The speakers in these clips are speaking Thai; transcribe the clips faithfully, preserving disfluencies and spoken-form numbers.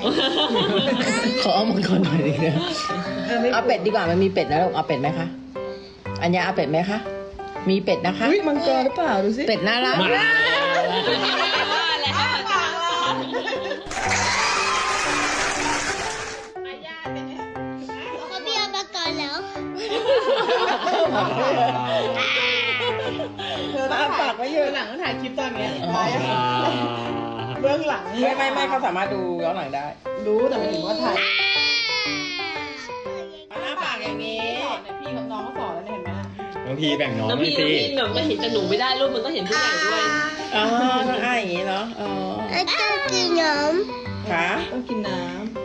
ขอเอามังกรหน่อยดีนะเอาเป็ดดีกว่ามันมีเป็ดนะลูกเอาเป็ดไหมคะอัญญาเอาเป็ดไหมคะมีเป็ดนะคะมังกรหรือเปล่าดูสิเป็ดน่ารักเขาพี่เอามังกรแล้วเธอต้องฝากไว้เยอะหลังต้องถ่ายคลิปตอนนี้เบื้องหลังไม่ไม่ไม่เขาสามารถดูย้อนหลังได้รู้แต่ไม่ถึงว่าถ่ายหน้าปากอย่างนี้พี่กับน้องก็สอนแล้วเห็นไหมน้องพีแบ่งน้องน้องไม่พี่สิน้องพี่แบบมันเห็นแต่หนูไม่ได้ลูกมันต้องเห็นผู้ใหญ่ด้วยอ๋อต้องอ้าอย่างนี้เนาะอ๋อต้องกินน้ำค่ะต้องกินน้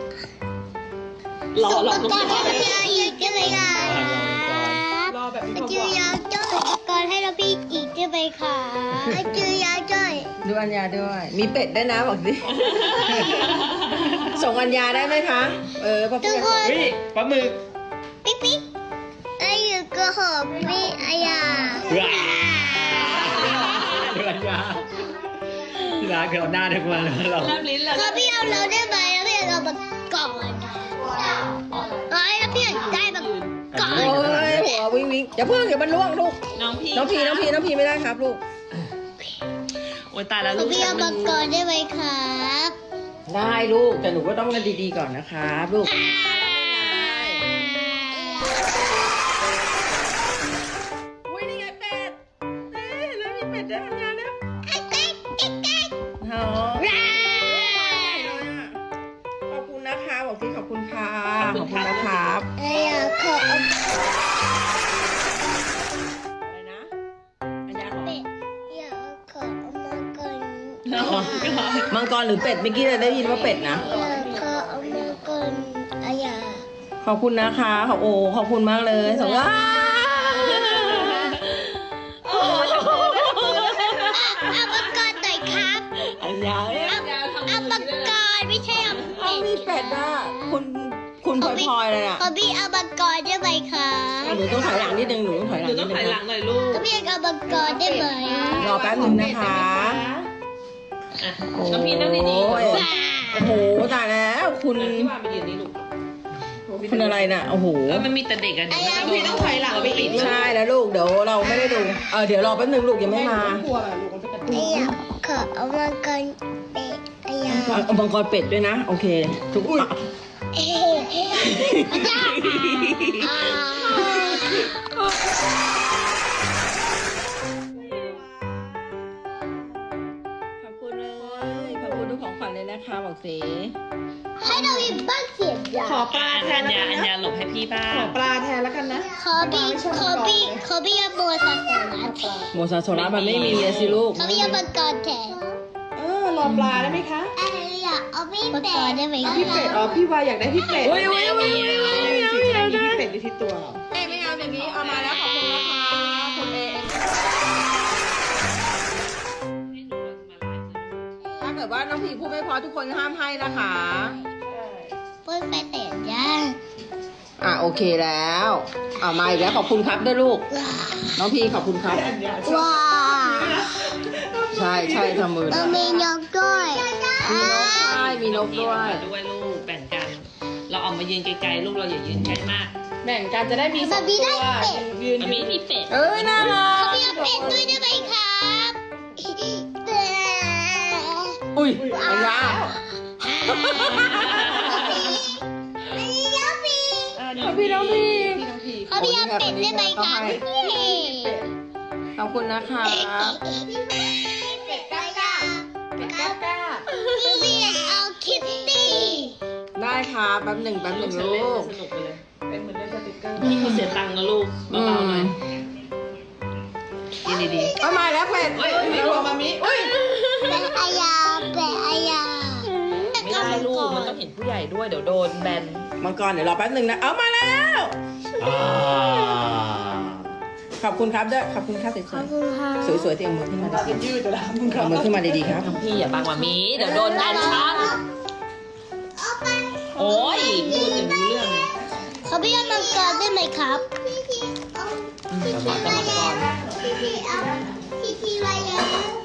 ำรอรอน้องพี่ำอีกได้ไหมคะำรอแบบนี้จือยาจ้อยก่อนให้เราพี่อีกได้ไหมคะจือยาจ้อยดูอัญญาด้วยมีเป็ดได้นะบอกสิส่งอัญญาได้ไหมคะเออพ่อพี่เฮ้ยปลาหมึกปิ๊กปิ๊กไอ้อยู่ก็หอมพี่อายาว้าเดือดยาที่ร้านคือเอาหน้าเด็กมาแล้วเราแลบลิ้นแล้วเขาพี่เอาเราได้ไหมแล้วพี่เอามาก่อนเอ้ยแล้วพี่ได้มาก่อนโอ้ยหัววิ่งวิ่งอย่าเพิ่งเดี๋ยวมันล่วงลูกน้องพี่น้องพีน้องพีน้องพีไม่ได้ครับลูกโอ้ยตายแล้วเขาลูกพี่เอามาก่อนได้ไหมครับได้ลูกแต่หนูก็ต้องกันดีๆก่อนนะครับลูกอุ้ยนี่ไงเป็ดเอ๊ะแล้วมีเป็ดด้วยอัญญาเนี่ยอ๋อขอบคุณนะคะบอกที่ขอบคุณค่ะขอบคุณนะครับอายาขออะไรนะอัญญาขอเป็ดอยากขอเอามาก่อนมังกรหรือเป็ดเมื่อกี้เราได้ยินว่าเป็ดนะอยากขอเอามาก่อนอายาขอบคุณนะคะขอบโอ้ขอบคุณมากเลยสองว่าเอามาก่อนหน่อยครับอัญญาเนี่ยเอามาก่อนไม่ใช่เอาเป็มีดเป็ดอ่ะคุณคุณพลอยพลอยเลยอ่ะขอพี่เอามาก่อนได้ไหมคะหนูต้องถอยหลังนิดนึงหนูต้องถอยหหลันูงต้นิองดนึถอยงหลังหน่อยลูกขอพี่เอามาก่อนได้ไหมรอแป๊บนึงนะคะอ่ะน้องพี่นั่งดีๆโอ้ยโอ้โหตายแล้วคุณพี่วานไปยืนนี่ลูกคุณอะไรน่ะโอ้โหเออมันมีแต่เด็กอะเดี๋ยวมันจะโดนพี่ต้องถอยหลังไปอีกใช่แล้วลูกเดี๋ยวเราไม่ได้ดูเออเดี๋ยวรอแป๊บนึงลูกยังไม่มากลัวแบบลูกมันจะกระตุ้นอายาขอเอามาก่อนเป็ดอายาเอามังกรเป็ดด้วยนะโอเคทุกคนเอ๊ะอ่าขอบคุณเลยขอบคุณทุกของขวัญเลยนะคะบอกสิให้เรามีบ้านเสียงยาขอปลาอัแทนญแล้วญากันอัญนะญาหลบให้พี่บ้าของ ปลาแทนแล้วกันนะขอพี่ขอพี่ขอพี่เอาโบสถ์ศาสนาแทนโมซาโซล่ามันไม่มีอะสิลูกขอพี่เอามังกรแทนเออรอปลาได้ไหมคะอะไรอยากเอาพี่เป็ดได้ไหมพี่เป็ดอ๋อพี่วายอยากได้พี่เป็ดโอ้ยโอ้ยโอ้ยโอ้ยโอ้ยไม่เอาไม่เอาพี่เป็ดอยู่ที่ตัวเอ้ยไม่เอาอย่างนี้เอามาแล้วขอบคุณนะคะคุณเองถ้าเกิดว่าน้องผีพูดไม่พอทุกคนห้ามให้นะคะพูดไปเสียงยาอ่ะโอเคแล้วเอามาอีกแล้วขอบคุณครับด้วยลูกน้องพีขอบคุณครับว้าใช่ใช่ทำมือเรามีนกด้วยมีนกใช่มีนกด้วยด้วยลูกแบ่งกัน เราออกมายืนไกลๆลูกเราอย่ายืนใกล้มากแบ่งกันจะได้มีสองตัวยืนมันไม่มีเป็ดเอ้ยน่ารักพี่เอาเป็ดด้วยได้ไหมครับอุ้ยอันยาไม่ยอมพี่ขอบพี่น้องพีขอพี่เอาเป็ดได้ไหมครับขอบคุณนะคะเป็ดก้าก้าเป็ดก้าก้าพี่พี่เอาคิตตี้ได้ค่ะแป๊บหนึ่งแป๊บหนึ่งลูกสนุกไปเลยเป็นเหมือนเล่นสติ๊กเกอร์พี่เขาเสียตังค์นะลูกเบาๆหน่อยยืนดีเอามาแล้วเป็ดเฮ้ยมีหัวมามิอุ้ยเป็ดอายาเป็ดอายาๆไม่ได้ลูกมันต้องเห็นผู้ใหญ่ด้วยเดี๋ยวโดนแบนมังกรเดี๋ยวรอแป๊บหนึ่งนะเอามาแล้วอ่าขอบคุณครับด้วยขอบคุณครับสขอบคุณค่ะวยๆสวยๆเตรียมมือขึ้นมาตาดีจะยืดจะแล้วมึงๆเอามือขึ้นมาดีๆครับพี่อย่าบังมามีเดี๋ยวโดนแบนครับโอ้ยพูดอย่างรู้เรื่องขอพี่เอามังกรได้ไหมครับสมัครกรรมกรพี่พี่เอาพี่พี่ไว้เยอะ